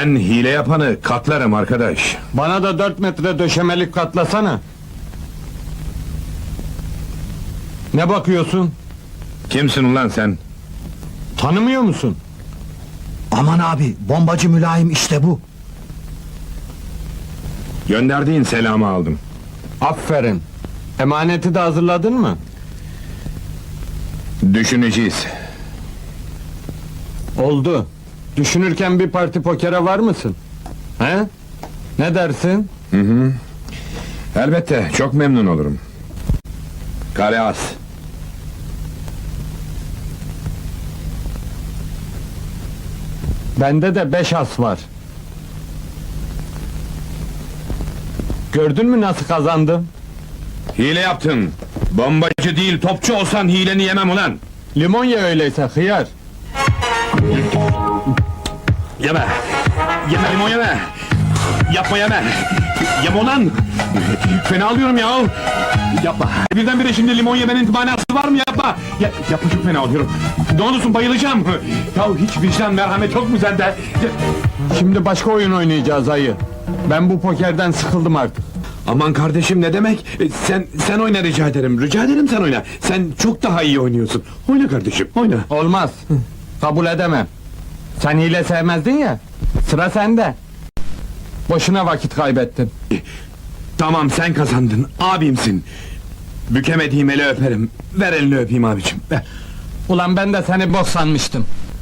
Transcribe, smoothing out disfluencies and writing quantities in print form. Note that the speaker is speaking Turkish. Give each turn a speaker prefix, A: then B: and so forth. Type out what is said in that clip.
A: Ben hile yapanı katlarım arkadaş.
B: Bana da 4 metre döşemelik katlasana. Ne bakıyorsun?
A: Kimsin ulan sen?
B: Tanımıyor musun?
C: Aman abi, bombacı mülayim işte bu.
A: Gönderdiğin selamı aldım.
B: Aferin. Emaneti de hazırladın mı?
A: Düşüneceğiz.
B: Oldu. Düşünürken bir parti pokere var mısın? He? Ne dersin?
A: Elbette, çok memnun olurum. Kare as.
B: Bende de 5 as var. Gördün mü nasıl kazandım?
A: Hile yaptın. Bombacı değil, topçu olsan hileni yemem ulan.
B: Limon ye öyleyse, hıyar.
A: Yeme! Yeme limon yeme! Yapma yeme! Yeme ulan! Fena alıyorum ya! Yapma! Birdenbire şimdi limon yemenin manası var mı, yapma! Yapma, çok fena alıyorum! Ne olursun, bayılacağım! Ya hiç vicdan, merhamet yok mu sende?
B: Şimdi başka oyun oynayacağız ayı. Ben bu pokerden sıkıldım artık.
A: Aman kardeşim, ne demek? Sen oyna, rica ederim, rica ederim, sen oyna! Sen çok daha iyi oynuyorsun! Oyna kardeşim, oyna!
B: Olmaz. Kabul edemem. Sen hile sevmezdin ya. Sıra sende. Boşuna vakit kaybettin.
A: Tamam, sen kazandın, abimsin! Bükemediğim eli öperim, ver elini öpeyim abicim! Ver.
B: Ulan ben de seni bok sanmıştım.